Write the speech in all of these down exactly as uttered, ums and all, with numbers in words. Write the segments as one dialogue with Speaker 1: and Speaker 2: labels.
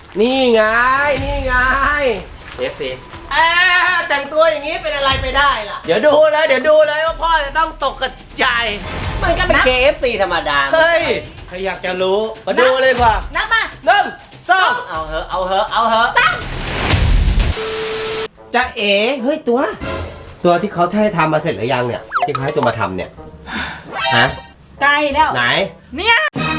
Speaker 1: นี่ไงนี่ไง เอฟซีเอ๊ะแต่งตัวอย่างนี้เป็นอะไรไปได้ล่ะเดี๋ยวดูเลยเดี๋ยวดูเลยว่าพ่อจะต้องตกกระจายมันก็เป็น เค เอฟ ซี ธรรมดาเฮ้ยใครอยากจะรู้มาดูเลยดีกว่า
Speaker 2: นับมา
Speaker 1: หนึ่งสอง
Speaker 3: เอาเหอะเอาเหอะเอาเหอะ
Speaker 1: จะเอ๋เฮ้ยตัว ตัวที่เขาให้ทำมาเสร็จหรือยังเนี่ยที่เขาให้ตัวมาทำเนี่ยฮะ
Speaker 2: ใกล้แล้ว
Speaker 1: ไหน
Speaker 2: เนี่ย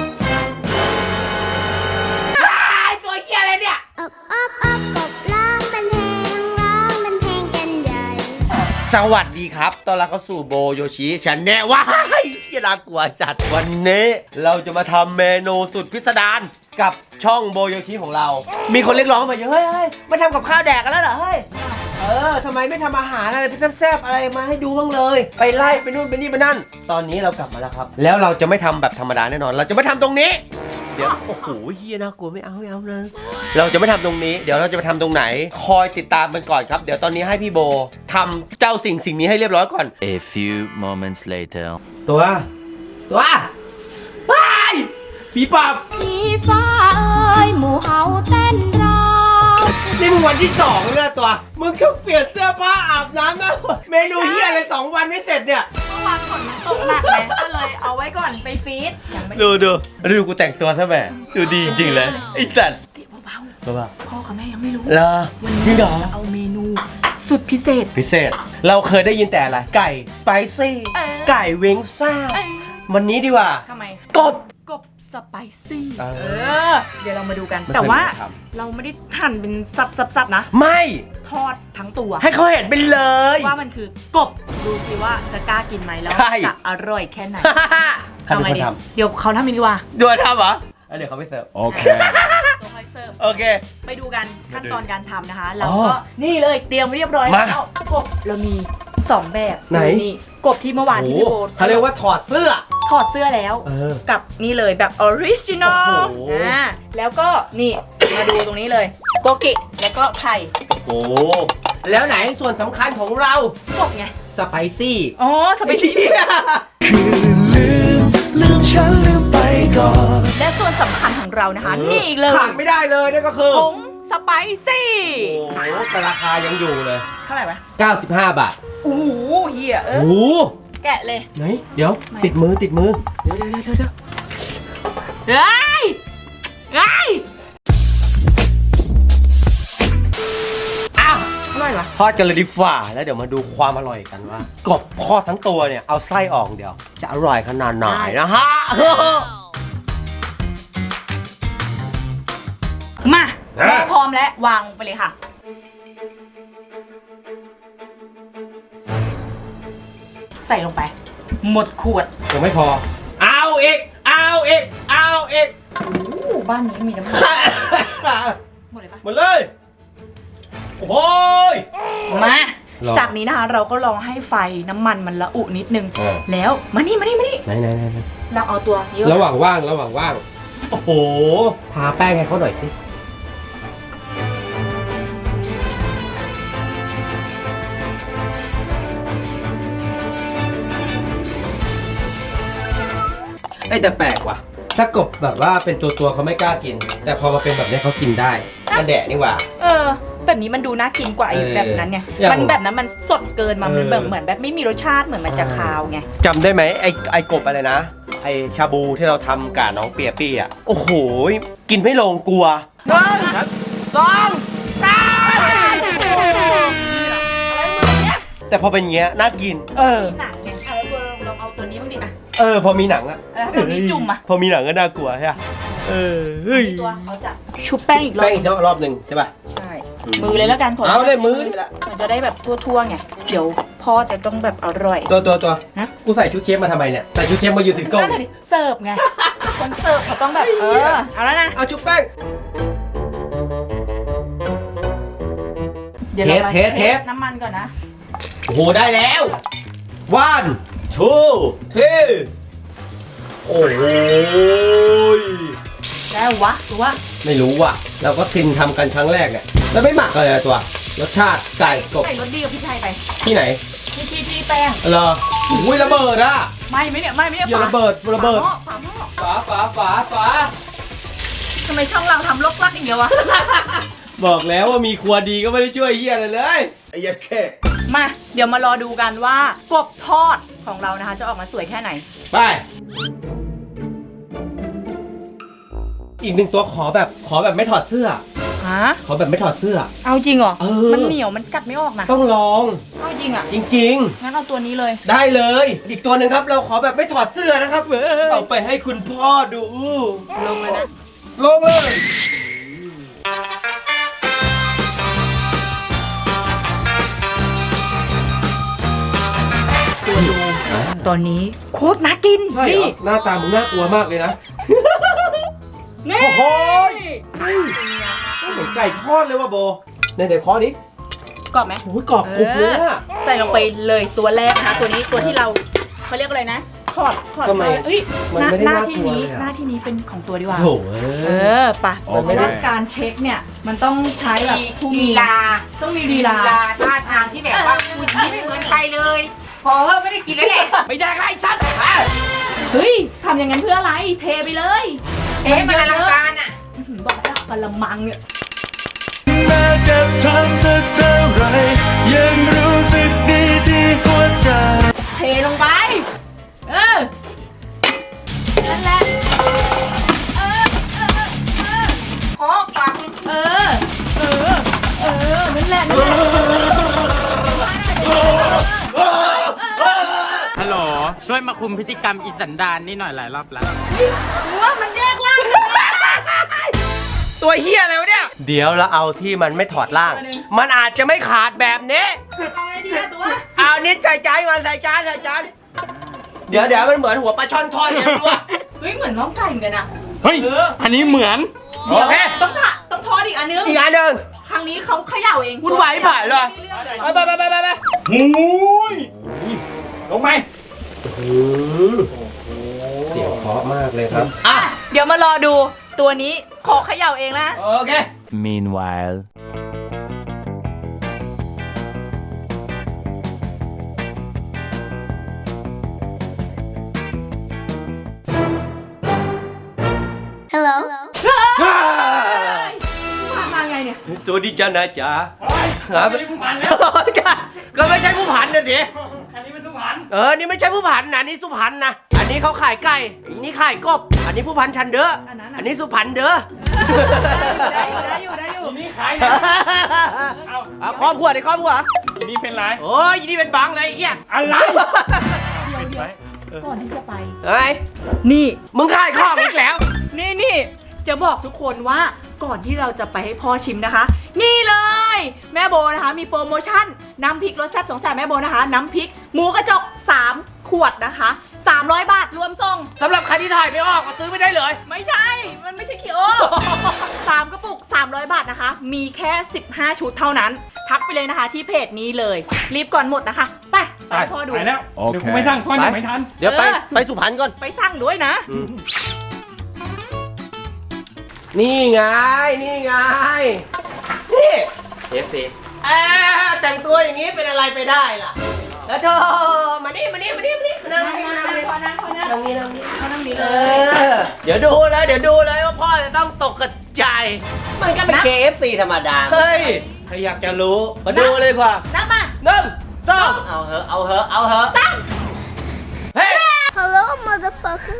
Speaker 1: ตัวเหี้ยอะไรเนี่ย
Speaker 4: อบอบอบกบร้องเป็นเพลงร้องเป็นเพลงกันใหญ่
Speaker 1: สวัสดีครับตอนรับเข้าสู่โบโยชิฉันแน่ว้ายที่น่ากลัวจัดวันนี้เราจะมาทำเมนูสุดพิสดารกับช่องโบโยชิของเรา มีคนเรียกร้องมาเยอะเฮ้ยเฮ้ยมาทำกับข้าวแดกกันแล้วเหรอเฮ้ยเออทำไมไม่ทำอาหารอะไรแซ่บๆอะไรมาให้ดูบ้างเลยไปไล่ไปนู่นไปนี่ไปนั่นตอนนี้เรากลับมาแล้วครับแล้วเราจะไม่ทำแบบธรรมดาแน่นอนเราจะไม่ทำตรงนี้เดี๋ยวโอ้โหเฮียน่ากลัวไม่เอาไม่เอาเลยเราจะไม่ทำตรงนี้เดี๋ยวเราจะไปทำตรงไหนคอยติดตามมันก่อนครับเดี๋ยวตอนนี้ให้พี่โบทำเจ้าสิ่งสิ่งนี้ให้เรียบร้อยก่อน
Speaker 5: A few moments later
Speaker 1: ตัวตัวไปผีปอบ
Speaker 4: ผีฟ้าเอ้ยหมู่เฮาเต้นรอ
Speaker 1: นี่มึงวันที่สองแล้วนะตัวมึงแค่เปลี่ยนเสื้อผ้าอาบน้ำนะเมนูเฮียอะไรสองวันไม่เสร็จเนี่ย
Speaker 2: เมื่อวานฝนมันตกหนักไงก็เลยเอาไว้ก่อนไปฟีดยังไม่
Speaker 1: ดูดูดูกูแต่งตัวซะแม่ดูดีจริงๆเลยไอ้สัตว์
Speaker 2: เดี๋ยวเบาๆ
Speaker 1: เบา
Speaker 2: พ่อกับแม่ยังไม่รู้
Speaker 1: ๆเหรอ
Speaker 2: วันนี้
Speaker 1: จริงเหรอ
Speaker 2: จะเอาเมนูสุดพิเศษ
Speaker 1: พิเศษเราเคยได้ยินแต่อะไรไก่สไปซี่
Speaker 2: เออ
Speaker 1: ไก่เวงซ่า
Speaker 2: เอ้ย
Speaker 1: วันนี้ดีกว่า
Speaker 2: ทำไม
Speaker 1: กบ
Speaker 2: กบสไปซี่
Speaker 1: เออ
Speaker 2: เออ เดี๋ยวเรามาดูกัน
Speaker 1: ไม่เคย
Speaker 2: แต่ว่า
Speaker 1: ทำ
Speaker 2: เราไม่ได้หั่นเป็นสับๆๆนะ
Speaker 1: ไม่
Speaker 2: ทอดทั้งตัว
Speaker 1: ให้เขาเห็นไปเลย
Speaker 2: ว่ามันคือกบดูสิว่าจะกล้ากินไหมแล้ว
Speaker 1: ใช่
Speaker 2: จะอร่อยแค่ไหน
Speaker 1: ใครเป็นคน
Speaker 2: ทำไงดี
Speaker 1: ท
Speaker 2: เดี๋ยวเขาทำเองดีกว่า
Speaker 1: ำดูทำเหรอเดี๋ยวเขาไปเสิร์ฟ
Speaker 5: โอเค
Speaker 2: ตัวคอยเสิร์ฟ
Speaker 1: โอเค
Speaker 2: ไปดูกันขั้นตอนการทำนะคะ
Speaker 1: อ๋
Speaker 2: แล้ว
Speaker 1: อ
Speaker 2: ก็นี่เลยเตรียมไว้เรียบร้อย
Speaker 1: มา
Speaker 2: แล้วกบเรามีสองแบบ
Speaker 1: ไหน
Speaker 2: นี่กบที่เมื่อวานที่พี่โบ
Speaker 1: เขาเรียกว่าถอดเสื้อ
Speaker 2: ถอดเสื้อแล้ว
Speaker 1: เออ
Speaker 2: กับนี่เลยแบบออริจินอล
Speaker 1: โอ้โห
Speaker 2: อ่าแล้วก็นี่มาดูตรงนี้เลยโกกิแล้วก็ไข่
Speaker 1: โอ้แล้วไหนส่วนสำคัญของเรา
Speaker 2: กบไง
Speaker 1: สไปซี่
Speaker 2: อ๋อสไปซี่
Speaker 5: ลืมฉันลืมไปก่อน
Speaker 2: และส่วนสำคัญของเรานะคะนี่เลย
Speaker 1: ขาดไม่ได้เลยนั่นก็คือ
Speaker 2: ผงสไปซี่
Speaker 1: โอ้โหแต่ราคายังอยู่เลย
Speaker 2: เท่าไหร่วะ
Speaker 1: เก้าสิบห้าบาท
Speaker 2: โอ้โหเฮียเอ
Speaker 1: โอ้
Speaker 2: อ
Speaker 1: โห
Speaker 2: แกะเลย
Speaker 1: ไหนเดี๋ยว
Speaker 2: ไม่
Speaker 1: ติดมือติดมือเดี๋ยวเดี๋ยวเดี๋ยวเดี๋ยว
Speaker 2: เฮ้ยเฮ้ย
Speaker 1: อ้าว
Speaker 2: อร่อยวะ
Speaker 1: ทอดกันเลยดีฝ่าแล้วเดี๋ยวมาดูความอร่อยกันว่ากบทอดทั้งตัวเนี่ยเอาไส้ออกเดี๋ยว จะอร่อยขนาดไหนนะฮะ
Speaker 2: มา
Speaker 1: อ่ะ
Speaker 2: พร้อมแล้ววางไปเลยค่ะ ใส่ลงไป หมดขวด
Speaker 1: ยังไม่พอ เอาอีกเอาอีกเอาอีก
Speaker 2: โอ้บ้านนี้มีน้ำมันหมดเลยปะ
Speaker 1: หมดเลยโอ้ย
Speaker 2: มา
Speaker 1: ลอง
Speaker 2: จากนี้นะคะเราก็ลองให้ไฟน้ำมันมันละอุนิดนึง
Speaker 1: เออ
Speaker 2: แล้วมานี่มานี่มานี่
Speaker 1: ไหนไหนไหนไหน
Speaker 2: เราเอาตัวนี้
Speaker 1: ระหว่างว่างระหว่างว่างโอ้โหทาแป้งให้เขาหน่อยสิไอ้แต่แปลกว่ะถ้ากบแบบว่าเป็นตัวตัวๆเขาไม่กล้ากิน แต่พอมาเป็นแบบนี้เขากินได้กระแดะนี่หว่า
Speaker 2: เออ แบบนี้มันดูน่ากินกว่าไอ้
Speaker 1: เออ
Speaker 2: แบบนั้นไง
Speaker 1: อย่าง
Speaker 2: มันแบบนั้นมันสดเกินมา
Speaker 1: เออ
Speaker 2: มันแบบเหมือนแบบไม่มีรสชาติเหมือนมันจะคาวไง
Speaker 1: จำได้ไหมไอ้ไอ้กบอะไรนะ ไอ้ชาบูที่เราทำกับน้องเปียปี้อ่ะโอ้โหกินไม่ลงกลัวหนึ่งสองสามแต่พอเป็นอย่างเงี้ยน่ากิน เออ
Speaker 2: หนังไงเอาแล้วเราลองเอาตัวนี้บ้างดิอ่ะ
Speaker 1: เออพอมีหนังอะ
Speaker 2: แล้วตัวนี้จุ่มอะ
Speaker 1: พอมีหนังก็น่ากลัวใช่ปะเออเฮ้ย
Speaker 2: มีตัวเขาจะชุบแป้งอีกรอบ
Speaker 1: แป้งอีกรอบหนึ่งใช่ป่ะ
Speaker 2: ใช่มือเลยแล้วกันข
Speaker 1: เอาเลยมือนี่แหละ
Speaker 2: มันจะได้แบบทั่วๆไงเดี๋ยวพ่อจะต้องแบบอร่อย
Speaker 1: ตัวตัวตัว
Speaker 2: ฮะ
Speaker 1: กูใส่ชุดเชฟมาทำไมเนี่ยใส่ชุดเชฟมายืนถือกล้อง
Speaker 2: นั่นเลยดิเสิร์ฟไงคนเสิร์ฟเขาต้องแบบเออเอาแล้วนะ
Speaker 1: เอาชุบแป้ง
Speaker 2: เดี๋ยวเรามา
Speaker 1: เทสเทส
Speaker 2: น้ำมันก่อนนะ
Speaker 1: โอ้โหได้แล้ว one two three โอ้โห
Speaker 2: ได้วะหรือว่า
Speaker 1: ไม่รู้ว่ะเราก็ทินทำกันครั้งแรกเนี่ยแล้วไม่หมักอะไรอะตัวรสชาติไก่กบ
Speaker 2: ใส่รสดีกับพี่ชัยไป
Speaker 1: ที่ไหน
Speaker 2: ที่ที่ที่แป้ง
Speaker 1: เหรออุ้ยระเบิดอะ
Speaker 2: ไม่ไม่เนี่ยไม่ไม่เนี่ย
Speaker 1: อย่าระเบิดระเบิด
Speaker 2: ฝาหม้อฝาหม้อ
Speaker 1: ฝาฝาฝาฝา
Speaker 2: ฝทำไมช่องเราทำลกลักอย่างเดียววะ
Speaker 1: บอกแล้วว่ามีครัวดีก็ไม่ได้ช่วยเฮียอะไรเลยไอ้ยัดแค่
Speaker 2: มาเดี๋ยวมารอดูกันว่ากบทอดของเรานะคะจะออกมาสวยแค่ไหน
Speaker 1: ไป อีกหนึ่งตัวขอแบบขอแบบไม่ถอดเสื้อ
Speaker 2: ฮะ
Speaker 1: ขอแบบไม่ถอดเสื้อ
Speaker 2: เอาจริงเหรอ
Speaker 1: เออ
Speaker 2: มันเหนียวมันกัดไม่ออกนะ
Speaker 1: ต้องลอง
Speaker 2: เอาจริงอ่ะ
Speaker 1: จริง
Speaker 2: งั้นเอาตัวนี้เลย
Speaker 1: ๆ ได้เลย อีกตัวหนึ่งครับเราขอแบบไม่ถอดเสื้อนะครับเอาไปให้คุณพ่อดู
Speaker 2: ลงเลยนะ
Speaker 1: ลงเลย
Speaker 2: ตัวดูตอนนี้โคตรน่ากิน
Speaker 1: ใช่เหร
Speaker 2: นี่
Speaker 1: อหน้าตามึงน่ากลัวมากเลยนะ
Speaker 2: นี่
Speaker 1: โอ้โห เหมือนไก่ทอดเลยว่ะโบในเดี๋ยวเคอดิ
Speaker 2: กรอบไหม
Speaker 1: โอ้ยกรอบกรุบเลยอะ
Speaker 2: ใส่ลงไปเลยตัวแรกนะคะตัวนี้ตัวที่เราเขาเรียกอะไรนะถอดถอด
Speaker 1: ทำไม
Speaker 2: เอ้ย
Speaker 1: มัน
Speaker 2: หน้า
Speaker 1: ไม่ได้
Speaker 2: หน้า
Speaker 1: น่าก
Speaker 2: ที่
Speaker 1: ลัว
Speaker 2: นี้
Speaker 1: เลยอะ
Speaker 2: หน้าที่นี้เป็นของตัวดีกว่า
Speaker 1: โถ่
Speaker 2: เออปะ
Speaker 1: มันไม่ได้
Speaker 2: เพราะว่าการเช็คเนี่ยมันต้องใช้แบบผู้มี
Speaker 3: ลีลา
Speaker 2: ต้องมีลีลา
Speaker 3: ท่าทางที่แบบว่าคุณยิ้มไม่เหมือนใครเลย พอเฮ้ยไม่ได้กินแล้วแหละ
Speaker 1: ไม่ได้ไรสัตว์
Speaker 2: เฮ้ยทำอย่างนั้นเพื่ออะไรเทไปเลย
Speaker 3: เอ๊ะมันอลังการอ่ะ
Speaker 2: อื้อหือบอกแล้วกะละมังเนี่ย
Speaker 5: แม้จะทำสักเท่าไรยังรู้สึกดีที่หัวใจ
Speaker 2: เทลงไปเออนั่นแหละเออเออเออ
Speaker 3: ขอฝากคุณ
Speaker 2: เออเออเออนั่นแหละนั่นแหละ
Speaker 6: ฮัลโหล ช่วยมาคุมพฤติกรรมอีสันดานนี่หน่อยหลายรอบแล้ว
Speaker 2: หรือว่ามันแยกล่าง
Speaker 1: ตัวเฮียอะไรวะเนี่ย เดี๋ยวเราเอาที่มันไม่ถอดล่าง มันอาจจะไม่ขาดแบบนี้
Speaker 2: เอาไงดีอะตัว
Speaker 1: เอานิดใส่จานก่อนใส่จานใส่จานเดี๋ยวเดี๋ยวมันเหมือนหัวปลาช่อนทอดเนี่ยรู้ป่ะ
Speaker 2: เฮ้ยเหมือนน้องไก่เหมือนกันอะ
Speaker 6: เฮ้ย อันนี้เหมือน
Speaker 1: โอเค
Speaker 2: ต้องถะต้องทอดอีกอันนึง
Speaker 1: อีกอันหนึ่ง
Speaker 2: ครั้งนี้เขาเขย่าเอง
Speaker 1: วุ่นวายผ่านเลย ไปไปไปไปไป
Speaker 6: หูยลงไป
Speaker 1: เสียงเพราะมากเลยครับอ่ะ
Speaker 2: เดี๋ยวมารอดูตัวนี้ขอเขย่าเองนะ
Speaker 1: โอเค
Speaker 5: Meanwhile
Speaker 4: Hello
Speaker 2: มามาไงเนี่ย
Speaker 1: สวัสดีจ้านะจ๊ะ
Speaker 6: อันนี้ผู้พันแล้ว
Speaker 1: ก็ไม่ใช่ผู้ผันนะสิ
Speaker 6: อันนี้เป็นสุพรรณ
Speaker 1: เออ นี่ไม่ใช่ผู้ผันนะนี่สุพรรณนะ อันนี้เขาขายไก่ อันนี้ขายกบ อันนี้ผู้พันชันเด้อ
Speaker 2: อันนั้น
Speaker 1: อันนี้สุพรรณเด้อ
Speaker 2: ได้อยู่ได้อยู่ได้อยู่
Speaker 6: อันนี้ขายนะ เอา
Speaker 1: เอาครอบครัวดิครอบครัว
Speaker 6: อันนี้เป็นไร
Speaker 1: โอ้ยนี่เป็นบังเลยไอ้เหี้ย
Speaker 6: อะไร
Speaker 2: เดี๋ยวเดี๋ยวก่อนที่จะไป
Speaker 1: เฮ้ย
Speaker 2: นี่
Speaker 1: มึงขายของอีกแล้ว
Speaker 2: นี่นี่จะบอกทุกคนว่าก่อนที่เราจะไปให้พ่อชิมนะคะ นี่เลยแม่โบนะคะมีโปรโมชั่นน้ำพริกรสแซ่บสองแสบแม่โบนะคะ น้ำพริกหมูกระจกสามขวดนะคะสามร้อยบาทรวมส่ง
Speaker 1: สำหรับใครที่ถ่ายไม่ออกก็ซื้อไม่ได้เลย
Speaker 2: ไม่ใช่ มันไม่ใช่คิโอ สามกระปุกสามร้อยบาทนะคะ มีแค่สิบห้าชุดเท่านั้น ทักไปเลยนะคะที่เพจนี้เลย รีบก่อนหมดนะคะ ไปไปให้พ่อดู
Speaker 6: ไปแล้ว เดี๋ยวกูไม่สั่งพ่อหนึ่งไม่ทัน
Speaker 1: เดี๋ยวไป
Speaker 2: เออ
Speaker 1: ไปสุพรรณก่อน
Speaker 2: ไปสั่งด้วยนะ
Speaker 1: นี่ไง นี่ไง นี่เอฟซีเอ๊ะแต่งตัวอย่างนี้เป็นอะไรไปได้ล่ะ แล้วเธอมานี่มานี่มานี่มานี่มานั่งนี่มานั่งนี่
Speaker 2: พ่อนั่งพ่อนั่ง
Speaker 1: นั่งนี่นั่งนี่
Speaker 2: พ่อนั่งนี้
Speaker 1: เอ
Speaker 2: เลย
Speaker 1: อ เดี๋ยวดูเลยเดี๋ยวดูเลยว่าพ่อจะต้องตกกระจาย
Speaker 7: มันก็เป็น เค เอฟ ซี ธรรมดา
Speaker 1: เฮ้ยถ้าอยากจะรู้มาดูเลยดีกว่า
Speaker 2: นั่งมา
Speaker 1: หนึ่งสอง
Speaker 7: เอาเหอะ เอาเหอะ เอาเหอะ
Speaker 1: เฮ้ย
Speaker 4: Hello motherfucker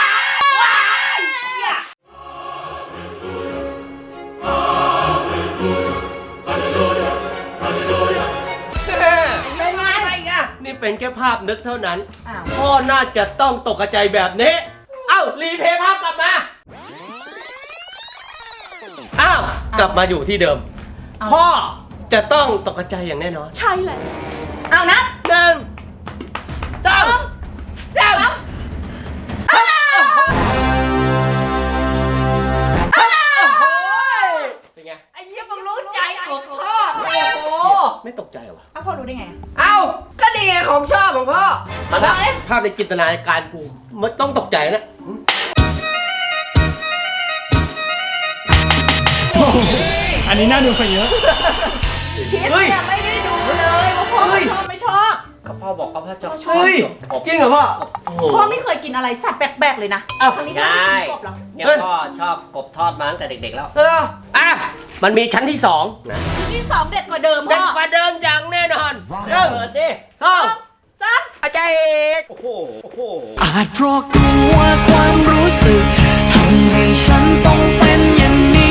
Speaker 1: เป็นไงไปอีกอะนี่เป็นแค่ภาพนึกเท่านั้น
Speaker 2: อ้าว
Speaker 1: พ่อน่าจะต้องตกกระจายแบบนี้ เอ้า รีเพย์ภาพกลับมา อ้าว กลับมาอยู่ที่เดิม พ่อจะต้องตกกระจายอย่างแน่นอน
Speaker 2: ใช่เลยเอานับ
Speaker 1: หนึ่งสองสามเป็นไง
Speaker 7: ไอ้เหี้ยมึงรู้ใจกบชอบ โอ้โห
Speaker 1: ไม่ตกใจเหรอ
Speaker 2: เอาพ่อรู้ได้ไงอะ
Speaker 7: เอ้า ก็นี่ไงของชอบของพ่อ
Speaker 1: ตอนนั้นภาพในจินตนาการกูมันต้องตกใจนะ
Speaker 6: อันนี้น่าดูไปเยอะ
Speaker 2: คิด
Speaker 1: เฮ้ย
Speaker 2: เนี่ยไม่ได้ดูเลยว่าพ่อ
Speaker 1: เฮ้ย
Speaker 2: ชอบไม่ชอบ
Speaker 1: ข
Speaker 7: ก็พ่อบอกว่าพ่อจะชอบ
Speaker 1: เฮ้ย
Speaker 7: กบ
Speaker 1: จริงเหรอพ่อโอ้โห
Speaker 2: พ่อไม่เคยกินอะไรสัตว์แปลกๆเลยนะ
Speaker 1: อ้าว
Speaker 2: ครั้งนี้พ่อจะกินกบเหรอ
Speaker 7: เนี่ย
Speaker 1: เฮ้ย
Speaker 7: พ่อชอบกบทอดมาตั้งแต่เด็กๆแล้ว
Speaker 1: เอออ่ะมันมีชั้นที่สองนะ
Speaker 2: ที่สองเด็ดกว่าเดิม
Speaker 1: เด็ด
Speaker 2: พ่อก
Speaker 1: ว่าเดิมอย่างแน่นอนห
Speaker 7: เปิ
Speaker 1: นึ่ง
Speaker 7: ดดิ
Speaker 1: สอง
Speaker 2: สาม
Speaker 1: อาจารย์เอก
Speaker 7: โอ้โหโอ้โห
Speaker 5: อาจเพราะกลัวความรู้สึกทำให้ฉันต้องเป็นอย่างนี้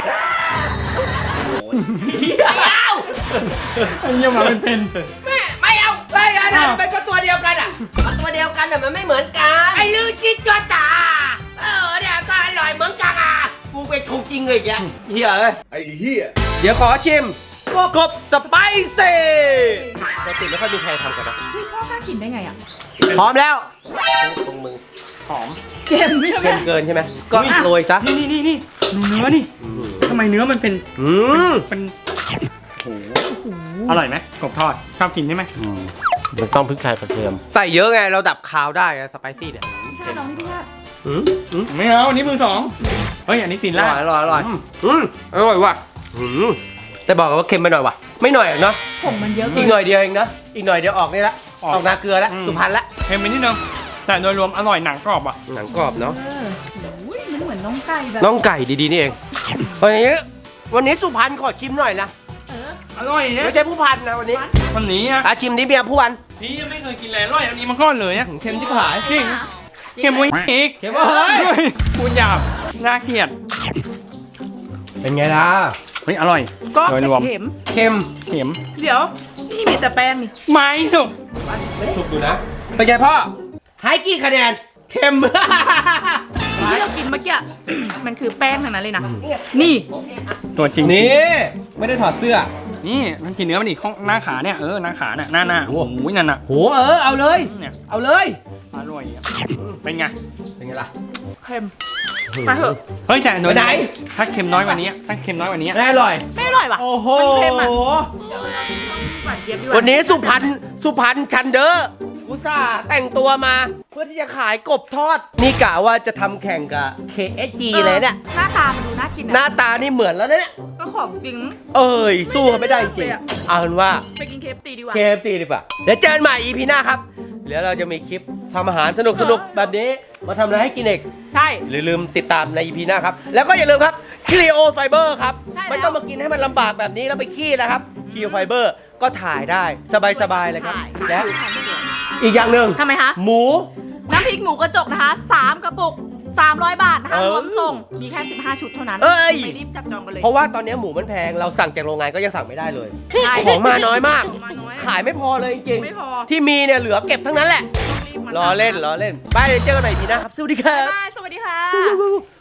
Speaker 6: ยังมาเป็นเป็น
Speaker 7: ไม่เอา
Speaker 1: ไอ้อันนั้นมันก็ตัวเดียวกันอ่ะ
Speaker 7: มันตัวเดียวกันแต่มันไม่เหมือนกัน
Speaker 1: ไอ้ลือชิตัวตาเออเนี่ยก็อร่อยเหมือนกันอ่ะกูเป็นคงจริงเลยแกเฮียเอ้ยไอ้เฮียเดี๋ยวขอชิมกบกบสไปซี่ปกติไม่ค่อยมีใครทำกันนะ
Speaker 2: เฮ้ยพ่อกล้ากินได้ไงอ่ะ
Speaker 1: พร้อมแล้ว
Speaker 7: ตรงมึง
Speaker 6: หอม
Speaker 2: เค็มใช่ไหม
Speaker 1: เกินเกินใช่ไหมก็โรยซะ
Speaker 6: นี่นี่นี่นี่ดูเนื้อนี่ทำไมเนื้อมันเป็น
Speaker 1: อืม
Speaker 6: เป็นโอ้โหอร่อยไหมกบทอดชอบกินใช่ไหม
Speaker 1: มันต้องพริกไทยกระเทียมใส่เยอะไงเราดับคาวได้สไปซี่เนี่ย
Speaker 2: ไม่ใช่น้องพี่พี่ว่า
Speaker 1: อืมอืม
Speaker 6: ไม่เอาอันนี้มือสองเฮ้ยอันนี้ตีน
Speaker 1: อ
Speaker 6: ล่า
Speaker 1: ร่อยอร่อยอร่อยอืมอร่อยว่ะอืมแต่บอกกันว่าเค็มไปหน่อยว่ะไม่หน่อยเนาะ
Speaker 2: ผงมันเยอะเกิ
Speaker 1: อีก
Speaker 2: น
Speaker 1: หน่อยเดียวเองนะอีกหน่อยเดียวออกนี่ละออกนาเกลือแล้วสุพรรณละ
Speaker 6: เค็มไปนิดนึงแต่โดยรวมอร่อยหนังกรอบอ่ะ
Speaker 1: หนังกรอบเนาะ
Speaker 2: เอออุ้ยมันเหมือนน้องไก่แบบ
Speaker 1: น้องไก่ดีๆนี่เองวันนี้วันนี้สุพรรณขอชิมหน่อยนะ
Speaker 2: เออ
Speaker 6: อร่อยเนี่ย
Speaker 1: ไม่ใช่ผู้พันนะวันนี้
Speaker 6: วันนี้อ่ะ
Speaker 1: อาชิมนี้เมียผู้พัน
Speaker 6: นี่ยังไม่เคยกินเลยอร่อยอันนี้มาก่อนเลยอ่ะ
Speaker 1: เค็มที่ผาย
Speaker 6: จริงเค็มวิ่งอีก
Speaker 1: เค็มว่าเฮ้ย
Speaker 6: พูดหยาบน่าเกลียด
Speaker 1: เป็นไงล่ะ
Speaker 6: เฮ้ยอร่อย
Speaker 2: ก็
Speaker 6: โดย
Speaker 2: แต่
Speaker 6: รวม
Speaker 2: เค็ม
Speaker 1: เค็ม
Speaker 6: เค็ม
Speaker 2: เดี๋ยว นี่มีแต่แป้งนี่
Speaker 6: ไม้สุก
Speaker 1: ถูกดูนะเป็นไงพ่อให้กี่คะแนนเค็ม
Speaker 2: ที่เรากินเมื่อกี้ มันคือแป้งทั้งนั้นเลยนะ นี่
Speaker 6: ตัวจริง
Speaker 1: นี่ไม่ได้ถอดเสื้อ
Speaker 6: นี่มันกินเนื้อมันอีกข้างหน้าขาเนี่ยเออหน้าขาเนี่ยหน้าหน้าโอ้โหนั่นน่ะ
Speaker 1: โหเออเอาเลย
Speaker 6: เนี่ย
Speaker 1: เอาเลย
Speaker 6: อร่อยอ่ะเป็นไง
Speaker 1: เป็นไงล่ะ
Speaker 2: เค็มไปเถอะ
Speaker 6: เฮ้ยแต่โดย
Speaker 1: ไปไหน
Speaker 6: ถ้าเค็มน้อยกว่านี้ถ้าเค็มน้อยกว่านี้
Speaker 1: แน่อร่อย
Speaker 2: ไม่อร่อยว่ะ
Speaker 1: โอ้โห
Speaker 2: มันเค็มอ่ะหวานเจี๊ยบดีกว่า
Speaker 1: วันนี้สุพรรณสุพรรณชันเดอร์อุตส่าห์แต่งตัวมา เพื่อที่จะขายกบทอด นี่กะว่าจะทำแข่งกับ เค เอส จี เลยเนี่ย
Speaker 2: หน้าตามันดูน่ากิน
Speaker 1: หน้า
Speaker 2: นะ
Speaker 1: ตานี่เหมือนแล้วนะเนี่ย
Speaker 2: ก็ของจริง
Speaker 1: เอ้ย สู้เขาไม่ได้จริงๆเอาเป็นว่า
Speaker 2: ไปกินเคฟตีดีกว่า
Speaker 1: เค เอฟ ซี ดีกว่าเดี๋ยวเจอกันใหม่ อี พี หน้าครับเดี๋ยวเราจะมีคลิปทำอาหารสนุกๆ แบบนี้ มาทำอะไรให้กินเอก
Speaker 2: ใช่
Speaker 1: อย่าลืมติดตามใน อี พี หน้าครับ แล้วก็อย่าลืมครับ Clio Fiber ครับ
Speaker 2: ใช่แล้ว
Speaker 1: ไม่ต้องมากินให้มันลำบากแบบนี้แล้วไปขี้นะครับ Clio Fiber ก็ถ่ายได้สบายๆเลยครับ
Speaker 2: ถ่าย
Speaker 1: และอีกอย่างหนึ่ง
Speaker 2: ทำไมคะ
Speaker 1: หมู
Speaker 2: น้ำพริกหมูกระจกนะคะสามกระปุกสามร้อยบาทนะคะ
Speaker 1: เออ
Speaker 2: รวมส่ง มีแค่สิบห้าชุดเท่านั้น
Speaker 1: เอ้ย
Speaker 2: ไปรีบจับจองกันเลย
Speaker 1: เพราะว่าตอนนี้หมูมันแพงเราสั่งจากโรงงานก็ยังสั่งไม่ได้เลย
Speaker 2: ใช่
Speaker 1: ของมาน้อยมาก
Speaker 2: ของมาน้อย
Speaker 1: ขายไม่พอเลยจริง
Speaker 2: ไม่พอ
Speaker 1: ๆที่มีเนี่ยเหลือเก็บทั้งนั้นแหละ
Speaker 2: ต้องรีบมาร
Speaker 1: อเล่นรอเล่นไปเดี๋ยวเจอกันใหม่อี พี หน้าครับสวัสดีครับ
Speaker 2: บ๊ายบายสวัสดีค่ะ